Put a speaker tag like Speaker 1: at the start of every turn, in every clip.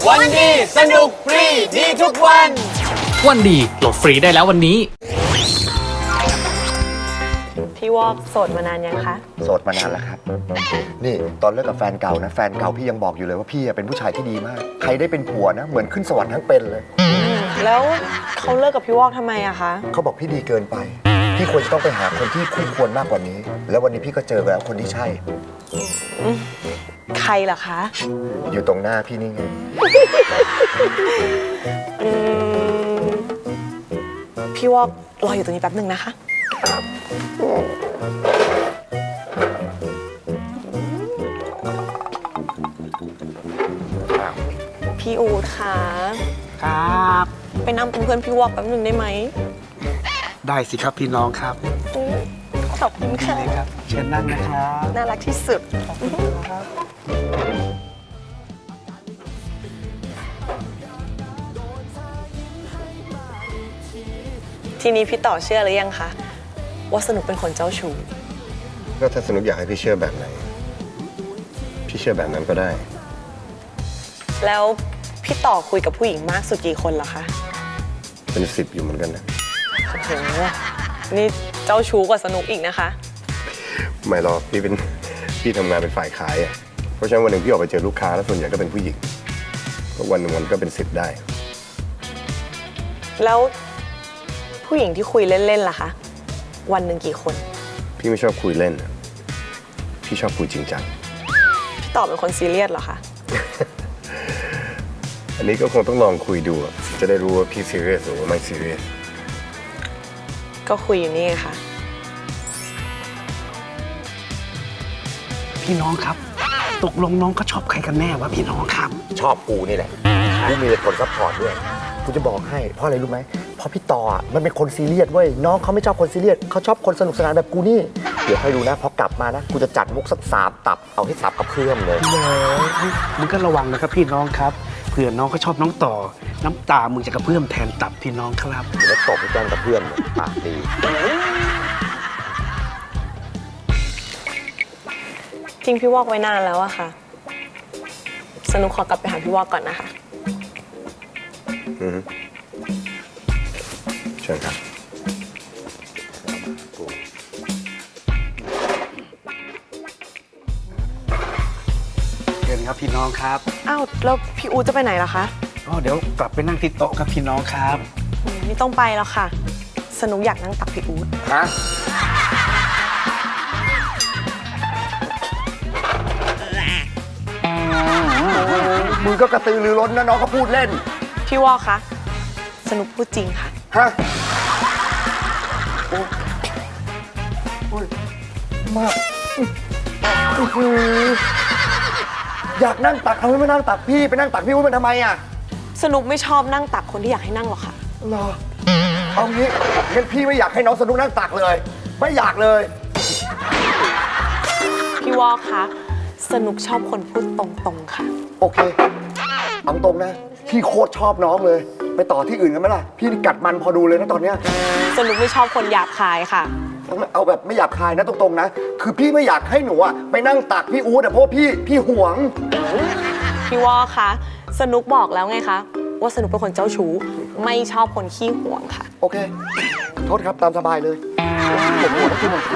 Speaker 1: วันดีสนุกฟรีดีทุกวัน
Speaker 2: วันดีโหลดฟรีได้แล้ววันนี้
Speaker 3: พี่วอกโสดมานานยังคะ
Speaker 4: โสดมานานแล้วครับนี่ตอนเลิกกับแฟนเก่านะแฟนเก่าพี่ยังบอกอยู่เลยว่าพี่เป็นผู้ชายที่ดีมากใครได้เป็นผัวนะเหมือนขึ้นสวรรค์ทั้งเป็นเลย
Speaker 3: แล้วเขาเลิกกับพี่วอกทำไมอะคะ
Speaker 4: เขาบอกพี่ดีเกินไปพี่ควรจะต้องไปหาคนที่คู่ควรมากกว่านี้ แล้ววันนี้พี่ก็เจอแล้วคนที่ใช่
Speaker 3: ใครล่ะคะ
Speaker 4: อยู่ตรงหน้าพี่นี่ไง
Speaker 3: พี่วอกรออยู่ตรงนี้แป๊บหนึ่งนะคะ พี่อูดค่ะ
Speaker 5: ครับ
Speaker 3: ไปนั่งเป็นเพื่อนพี่วอกแป๊บหนึ่งได้ไหม
Speaker 5: ได้สิครับพี่น้องครับ
Speaker 3: ขอบคุณค่ะ
Speaker 5: เลยครับเชิญนั่งนะครับ
Speaker 3: น่ารักที่สุด ทีนี้พี่ต่อเชื่อหรือยังคะว่าสนุกเป็นคนเจ้าชู้
Speaker 4: ก็ถ้าสนุกอยากให้พี่เชื่อแบบไหนพี่เชื่อแบบนั้นก็ได้
Speaker 3: แล้วพี่ต่อคุยกับผู้หญิงมากสุดกี่คนเหรอคะ
Speaker 4: เป็น10อยู่เหมือนกันนะ
Speaker 3: โอ้โหนี่เจ้าชู้กว่าสนุกอีกนะคะ
Speaker 4: ไม่หรอกพี่ทำงานเป็นฝ่ายขายอ่ะเพราะฉะนั้นวันหนึ่งพี่ออกไปเจอลูกค้าแล้วส่วนใหญ่ก็เป็นผู้หญิงก็วันหนึ่งมันก็เป็น10ได้
Speaker 3: แล้วผู้หญิงที่คุยเล่นๆล่ะคะ วันหนึ่งกี่คน
Speaker 4: พี่ไม่ชอบคุยเล่นอะพี่ชอบคุยจริงจัง
Speaker 3: พี่ต่อเป็นคนซีเรียสเหรอคะ
Speaker 4: อันนี้ก็คงต้องลองคุยดูอะจะได้รู้ว่าพี่ซีเรียสหรือว่าไม่ซีเรียส
Speaker 3: ก็คุยอยู่นี่ไงค่ะ
Speaker 5: พี่น้องครับ ตกลงน้องก็ชอบใครกันแน่วะพี่น้องครับ
Speaker 4: ชอบกูนี่แหละกูมีคนซัพพอร์ตด้วยกูจะบอกให้เพราะอะไรรู้ไหมเพราะพี่ต่ออะมันเป็นคนซีเรียสเว้ยน้องเขาไม่ชอบคนซีเรียสเขาชอบคนสนุกสนานแบบกูนี่เดี๋ยวให้ดูนะพอกลับมานะกูจะจัดมุกสัก3 ตับเอาให้สับกับเพื่อนเลย
Speaker 5: มึงก็ระวังนะครับพี่น้องครับเผื่อน้องเขาชอบน้องต่อ น้ำตามึงจะกระเพื่อมแทนตับพี่น้องครับ
Speaker 4: เดี๋ยวตบให้แจ้งกับเพื่อนเลยปากดี
Speaker 3: ทิ้งพี่วอกไว้นานแล้วอะค่ะ สนุกขอกลับไปหาพี่วอกก่อนนะคะ
Speaker 4: เชิญครับ
Speaker 5: เชิญครับพี่น้องครับ
Speaker 3: อ้าว แล้วพี่อูจะไปไหนล่ะคะ
Speaker 5: อ๋อเดี๋ยวกลับไปนั่งที่โต๊ะครับพี่น้องครับ
Speaker 3: ไม่ต้องไปแล้วค่ะ สนุกอยากนั่งตักพี่อูด
Speaker 4: ฮะมึงก็กระตือรือร้นนะน้องเขาพูดเล่น
Speaker 3: พี่วอกคะ สนุกพูดจริงค่ะ
Speaker 4: ฮะโอ้ยมากอื้อหืออยากนั่งตักทำไมไม่นั่งตักพี่ไปนั่งตักพี่วุ้ยมันทำไมอ่ะ
Speaker 3: สนุกไม่ชอบนั่งตักคนที่อยากให้นั่งหรอกค่ะ
Speaker 4: เหรอเอางี้งั้นพี่ไม่อยากให้น้องสนุกนั่งตักเลย ไม่อยากเลย
Speaker 3: พี่วอกคะ สนุกชอบคนพูดตรงๆค่ะ
Speaker 4: โอเคเอาตรงนะพี่โคตรชอบน้องเลย ไปต่อที่อื่นกันไหมล่ะพี่นี่กัดมันพอดูเลยนะตอนเนี้ย
Speaker 3: สนุกไม่ชอบคนหยาบคายค่ะ
Speaker 4: เอาแบบไม่หยาบคายนะตรงๆนะคือพี่ไม่อยากให้หนูอะไปนั่งตักพี่อู๊ดอะเพราะว่าพี่หวง
Speaker 3: พี่วอกคะ สนุกบอกแล้วไงคะ ว่าสนุกเป็นคนเจ้าชู้ ไม่ชอบคนขี้หวงค่ะ
Speaker 4: โอเค โทษครับตามสบายเลยผมหัวนะพี่หมด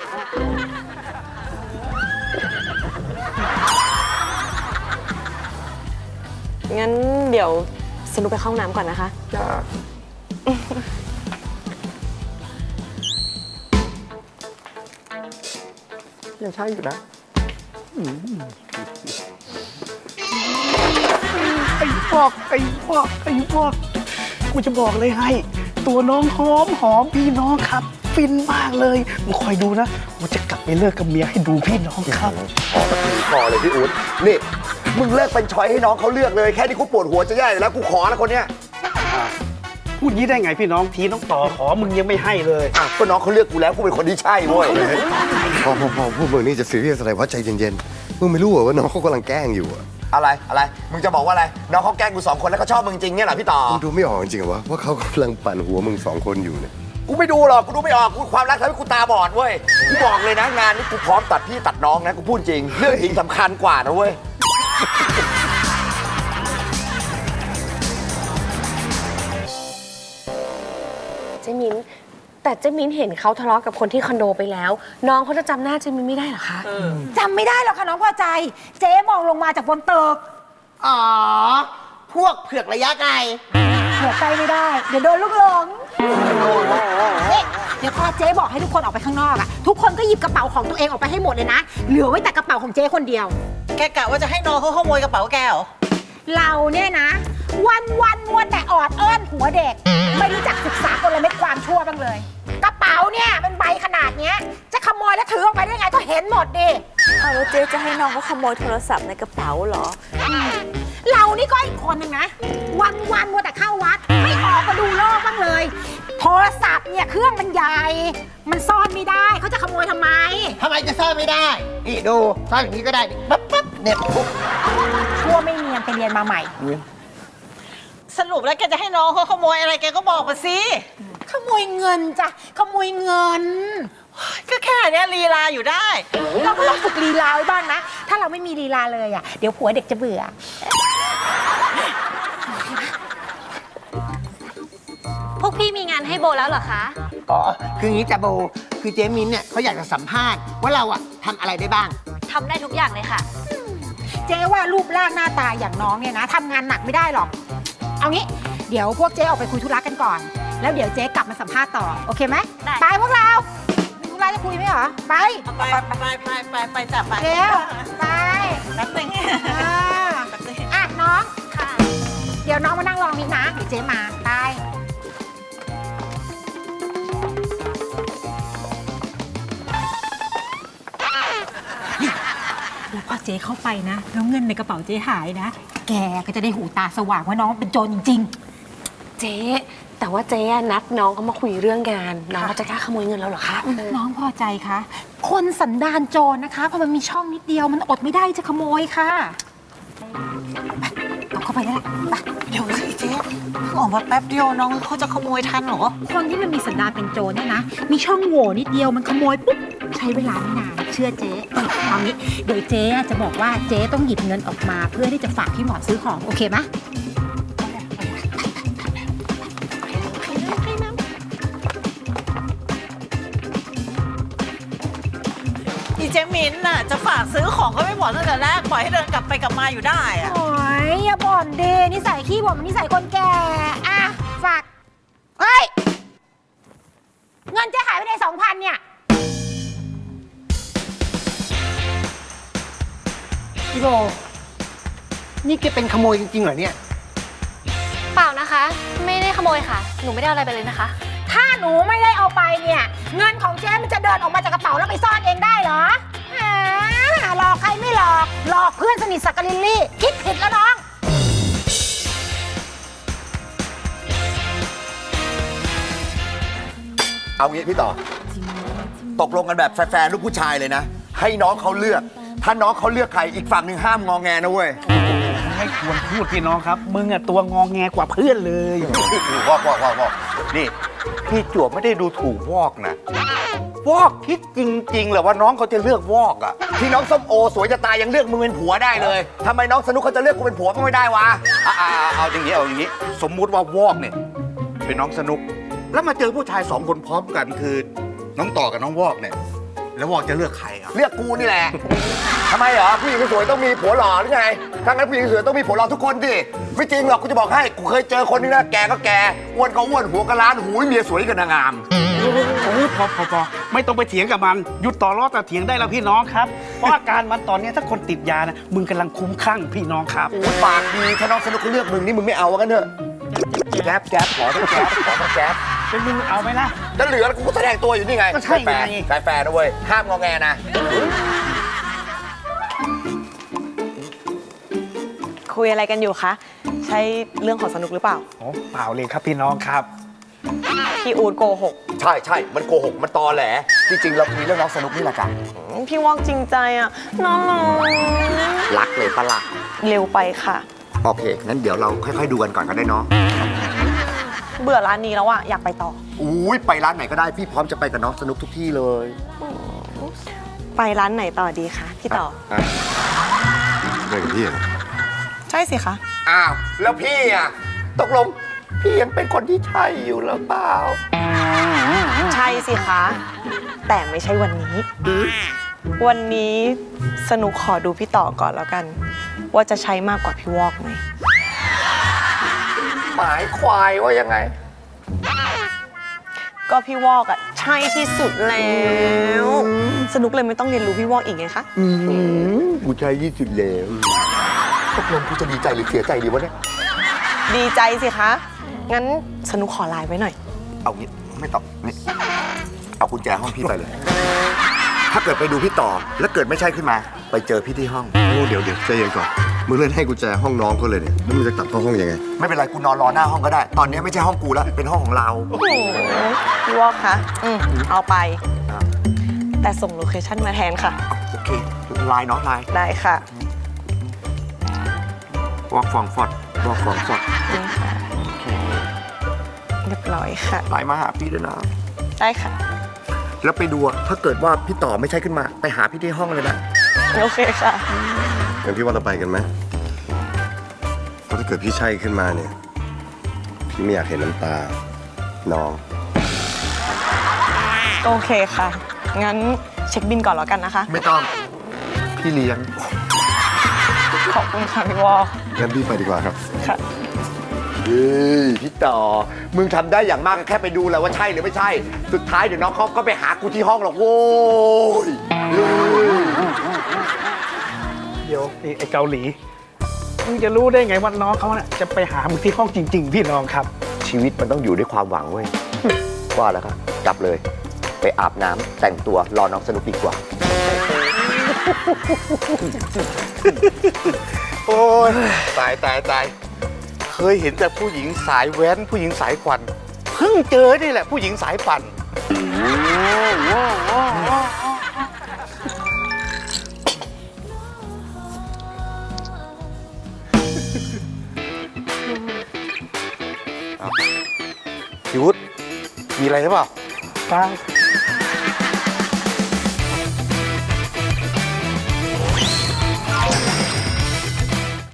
Speaker 3: งั้นเดี๋ยวสนุกไปเข้าห้องน้ำก่อนนะคะ
Speaker 4: จ้ายังใช่อยู่นะ
Speaker 5: ไอ้พวกกูจะบอกเลยให้ ตัวน้องหอมพี่น้องครับ ฟินมากเลยมึงคอยดูนะกูจะกลับไปเลิกกับเมียให้ดูพี่น้องครับ
Speaker 4: ขอสักทีพอเลยพี่อู๊ดนี่มึงเลิกเป็นช้อยให้น้องเขาเลือกเลยแค่นี้กูปวดหัวจะแย่อยู่แล้วกูขอแล้วคนเนี้ย
Speaker 5: พูดงี้ได้ไงพี่น้องทีน้องต่อขอมึงยังไม่ให้เลย
Speaker 4: อ่ะก็น้องเขาเลือกกูแล้วกูเป็นคนที่ใช่เว้ยพอพวกมึงนี่จะซีเรียสอะไรวะใจเย็นๆมึงไม่รู้เหรอว่าน้องเขากำลังแกล้งอยู่อะไรมึงจะบอกว่าอะไรน้องเขาแกล้งกู2 คนแล้วเขาชอบมึงจริงเนี่ยเหรอพี่ต่อมึงดูไม่ออกจริงเหรอวะว่าเขากำลังปั่นหัวมึง2 คนอยู่เนี่ยกูไม่ดูหรอกกูดูไม่ออกกูความรักทำให้กูตาบอดเว้ยกูบอกเลยนะงานนี้กูพร้อมตัดพี่ตัดน้องนะกูพูดจริงเรื่องจริงสำคัญกว่านะเว้ย
Speaker 3: เจมินแต่เจมินเห็นเขาทะเลาะกับคนที่คอนโดไปแล้ว น้องเขาจะจำหน้าเจมินไม่ได้เหรอคะ
Speaker 6: จำไม่ได้หรอกค่ะน้องพอใจ เจ๊มองลงมาจากบนตึก
Speaker 7: อ๋อ พวกเผือกระยะไกล
Speaker 6: เผื่อใจไม่ได้ เดี๋ยวโดนลูกหลงนี่เดี๋ยวพอเจ๊บอกให้ทุกคนออกไปข้างนอกอะทุกคนก็หยิบกระเป๋าของตัวเองออกไปให้หมดเลยนะ เหลือไว้แต่กระเป๋าของเจ๊คนเดียว
Speaker 7: แกกะว่าจะให้น้องเขาขโมยกระเป๋าแกเหรอ
Speaker 6: เราเนี่ยนะ วันมัวแต่ออดอ้อนหัวเด็ก ไม่รู้จักศึกษากลเม็ดความชั่วบ้างเลย กระเป๋าเนี่ยเป็นใบขนาดเนี้ยจะขโมยแล้วถือออกไปได้ไงก็เห็นหมดดิ
Speaker 3: เอาแล้วเจ๊จะให้น้องเขาขโมยโทรศัพท์ในกระเป๋าเหรอ
Speaker 6: เรานี่ก็อีกคนนึงนะ วันมัวแต่เข้าวัด ไม่ออกมาดูโลกบ้างเลย โทรศัพท์เนี่ยเครื่องมันใหญ่ มันซ่อนไม่ได้เขาจะขโมยทำไม
Speaker 7: ทำไมจะซ่อนไม่ได้ นี่ดูซ่อนอย่างนี้ก็ได้นี่ปั๊บปั๊บเนี่ยปุ๊บ
Speaker 6: ชั่วไม่เนียนไปเรียนมาใหม่
Speaker 7: สรุปแล้วแกจะให้น้องเขาขโมยอะไรแกก็บอกมาสิ
Speaker 6: ขโมยเงินจ้ะ ขโมยเงิน
Speaker 7: ก็แค่เนี้ยลีลาอยู่ได้
Speaker 6: เราก็ต้องฝึกลีลาไว้บ้างนะ ถ้าเราไม่มีลีลาเลยอ่ะ เดี๋ยวผัวเด็กจะเบื่อ
Speaker 3: พวกพี่มีงานให้โบแล้วเหรอคะ
Speaker 7: อ๋อ คืออย่างนี้จ้ะโบ คือเจมินเนี่ยเขาอยากจะสัมภาษณ์ว่าเราอะทำอะไรได้บ้าง
Speaker 3: ทำได้ทุกอย่างเลยค่ะ
Speaker 6: เจ๊ว่ารูปร่างหน้าตาอย่างน้องเนี่ยนะทำงานหนักไม่ได้หรอก เอางี้ เดี๋ยวพวกเจ๊ออกไปคุยธุระกันก่อน แล้วเดี๋ยวเจ๊กลับมาสัมภาษณ์ต่อ โอเคไหม
Speaker 3: ได้
Speaker 6: ไปพวกเรามีธุระจะคุยไหมเหรอ ไป
Speaker 7: ไปจับไป
Speaker 6: เจ๊ไป
Speaker 7: แป๊บนึง
Speaker 6: อ่ะน้อง
Speaker 3: ค่ะ
Speaker 6: เดี๋ยวน้องมานั่งรอมิกนะ เดี๋ยวเจ๊มา ไป แล้วพอเจ๊เข้าไปนะ แล้วเงินในกระเป๋าเจ๊หายนะ แกก็จะได้หูตาสว่างว่าน้องเป็นโจรจริง
Speaker 3: เจ๊แต่ว่าเจ๊นัดน้องเขามาคุยเรื่องงาน น้องเขาจะกล้าขโมยเงินเราเหรอคะ
Speaker 6: น้องพอใจคะ คนสันดานโจรนะคะพอมันมีช่องนิดเดียวมันอดไม่ได้จะขโมยค่ะไปเอาเข้าไปแล้วล่ะไป
Speaker 7: เดี๋ยวสิเจ๊เพิ่งออกมาแป๊บเดียวน้องเขาจะขโมยทันเหรอ
Speaker 6: คนที่มันมีสันดานเป็นโจรเนี่ยนะ มีช่องโหว่นิดเดียวมันขโมยปุ๊บใช้เวลาไม่นานเชื่อเจ๊เอางี้เดี๋ยวเจ๊จะบอกว่าเจ๊ต้องหยิบเงินออกมาเพื่อที่จะฝากพี่หมอซื้อของโอเคไหม
Speaker 7: อีเจมินน่ะจะฝากซื้อของก็ไม่บอกตั้งแต่แรกปล่อยให้เดินกลับไปกลับมาอยู่ได้อะ
Speaker 6: โอ้ยอย่าบ่นดินิสัยขี้บ่นมันนิสัยคนแก่อ่ะฝากเฮ้ยเงินเจ๊หายไปใน2,000เนี่ย
Speaker 7: พี่โบนี่แกเป็นขโมยจริงๆเหรอเนี่ย
Speaker 3: เปล่านะคะ ไม่ได้ขโมยค่ะ หนูไม่ได้เอาอะไรไปเลยนะคะ
Speaker 6: ถ้าหนูไม่ได้เอาไปเนี่ย เงินของเจ๊มันจะเดินออกมาจากกระเป๋าแล้วไปซ่อนเองได้เหรอหลอกใครไม่หลอกหลอกเพื่อนสนิทสักกะลิลลี่คิดผิดแล้วน้อง
Speaker 4: เอางี้พี่ต่อ ตกลงกันแบบแฟร์ๆลูกผู้ชายเลยนะ ให้น้องเขาเลือก ถ้าน้องเขาเลือกใครอีกฝั่งหนึ่งห้ามงอแงนะเว้ย
Speaker 5: ไม่ควรพูดพี่น้องครับ มึงอะตัวงองแงกว่าเพื่อนเลย
Speaker 4: วอกนี่พี่จวบไม่ได้ดูถูกวอกนะ วอกคิดจริงๆเหรอว่าน้องเขาจะเลือกวอกอะที่น้องส้มโอสวยจะตายยังเลือกมึงเป็นผัวได้เลยทำไมน้องสนุกเขาจะเลือกกูเป็นผัวก็ไม่ได้วะ
Speaker 8: เอาอย่างนี้ สมมุติว่าวอกเนี่ยเป็นน้องสนุก แล้วมาเจอผู้ชาย2 คนพร้อมกันคือน้องต่อกับน้องวอกเนี่ย แล้ววอกจะเลือกใครอ่ะ
Speaker 4: เลือกกูนี่แหละ ทำไมเหรอผู้หญิงสวยต้องมีผัวหล่อหรือไงถ้างั้นผู้หญิงสวยต้องมีผัวหล่อทุกคนดิไม่จริงหรอกกูจะบอกให้กูเคยเจอคนนึงนะแกก็แกอ้วนก็อ้วนหัวก็ล้านหูยเมียสวยกันนางงาม
Speaker 5: โอ้ยพอไม่ต้องไปเถียงกับมันหยุดต่อล้อต่อเถียงได้แล้วพี่น้องครับ เพราะอาการมันตอนนี้ถ้าคนติดยานะมึงกำลังคุ้มคลั่งพี่น้องครับ
Speaker 4: โอ้ยปากดีถ้าน้องสนุกเขาเลือกมึงนี่มึงไม่เอากันเถอะแจ๊บขอทั้งแจ๊บ
Speaker 5: เป็นมึงเอาไหมล่ะ
Speaker 4: จะเหลือแล้วกูก็แสดงตัวอยู่นี่ไง
Speaker 5: ก็ใช่ไง
Speaker 4: แฟร์นะเว้ยห้ามงอแงนะ
Speaker 3: คุยอะไรกันอยู่คะ ใช่เรื่องของสนุกหรือเปล่า
Speaker 5: โอ้เปล่าเลยครับพี่น้องครับ
Speaker 3: พี่อูดโกหก
Speaker 4: ใช่มันโกหกมันตอแหลจริงๆเราคุยเรื่องน้องสนุกนี่แหละจ้ะ
Speaker 3: พี่วอกจริงใจอ่ะ น้อง
Speaker 4: รักเลยปะล่ะ
Speaker 3: เร็วไปค่ะ
Speaker 4: โอเคงั้นเดี๋ยวเราค่อยๆดูกันก่อนก็ได้เนาะ
Speaker 3: เบื่อร้านนี้แล้วอ่ะ อยากไปต่อ
Speaker 4: อุ้ยไปร้านไหนก็ได้พี่พร้อมจะไปกับน้องสนุกทุกที่เลย
Speaker 3: ไปร้านไหนต่อดีคะพี่ต่อ
Speaker 4: ไปกับพี่เหรอ
Speaker 3: ใช่สิคะ
Speaker 4: อ้าวแล้วพี่อ่ะตกลงพี่ยังเป็นคนที่ใช่อยู่หรือเปล่า
Speaker 3: ใช่สิคะ แต่ไม่ใช่วันนี้ วันนี้สนุกขอดูพี่ต่อก่อนแล้วกัน ว่าจะใช้มากกว่าพี่วอกไหม
Speaker 4: หมายควายว่ายังไง
Speaker 3: ก็พี่วอกอะใช่ที่สุดแล้ว สนุกเลยไม่ต้องเรียนรู้พี่วอกอีกไงคะ
Speaker 4: กูใช่ที่สุดแล้วตกลงกูจะดีใจหรือเสียใจดีวะเนี่ย
Speaker 3: ดีใจสิคะ งั้นสนุกขอไลน์ไว้หน่อย
Speaker 4: เอางี้ไม่ตอบนี่เอากุญแจห้องพี่ไปเลย ถ้าเกิดไปดูพี่ต่อแล้วเกิดไม่ใช่ขึ้นมา ไปเจอพี่ที่ห้องโอ้เดี๋ยวใจเย็นก่อนมึงเล่นให้กุญแจห้องน้องเขาเลยเนี่ยแล้วมึงจะกลับเข้าห้องยังไงไม่เป็นไรกูนอนรอหน้าห้องก็ได้ ตอนนี้ไม่ใช่ห้องกูแล้วเป็นห้องของเรา
Speaker 3: โอ้โหพี่วอกคะเอาไป แต่ส่งโลเคชั่นมาแทนค่ะ
Speaker 4: โอเคไลน์เนาะไลน์
Speaker 3: ได้ค่ะ
Speaker 4: วอกฟองฟอดวอกฟองฟอด
Speaker 3: นี่ค่ะ เรียบร้อยค่ะ
Speaker 4: ไลน์มาหาพี่ด้วยนะ
Speaker 3: ได้ค่ะ
Speaker 4: แล้วไปดูอะถ้าเกิดว่าพี่ต่อไม่ใช่ขึ้นมาไปหาพี่ที่ห้องเลยนะ
Speaker 3: โอเคค่ะ
Speaker 4: งั้นพี่ว่าเราไปกันไหมเพราะถ้าเกิดพี่ใช่ขึ้นมาเนี่ย พี่ไม่อยากเห็นน้ำตา น้อง
Speaker 3: โอเคค่ะ งั้นเช็คบินก่อนแล้วกันนะคะ
Speaker 4: ไม่ต้อง พี่เลี้ยง
Speaker 3: ขอบคุณค่ะพี่วอก
Speaker 4: งั้นพี่ไปดีกว่าครับ
Speaker 3: ค่ะ
Speaker 4: เฮ้ยพี่ต่อ มึงทำได้อย่างมากก็แค่ไปดูแหละว่าใช่หรือไม่ใช่ สุดท้ายเดี๋ยวน้องเขาก็ไปหากูที่ห้องหรอกโว้ยเฮ้ย
Speaker 5: เดี๋ยวไอ้เกาหลี มึงจะรู้ได้ไงว่าน้องเขาน่ะจะไปหามึงที่ห้องจริง ๆ พี่น้องครับ
Speaker 4: ชีวิตมันต้องอยู่ด้วยความหวังเว้ย ว่าแล้วครับกลับเลย ไปอาบน้ำแต่งตัวรอน้องสนุกดีกว่า
Speaker 8: โอ้ยตายเคยเห็นแต่ผู้หญิงสายแว้นผู้หญิงสายควันเพิ่งเจอนี่แหละผู้หญิงสายปั่นพี่วุฒิมีอะไรหรือเปล่า
Speaker 5: เปล่า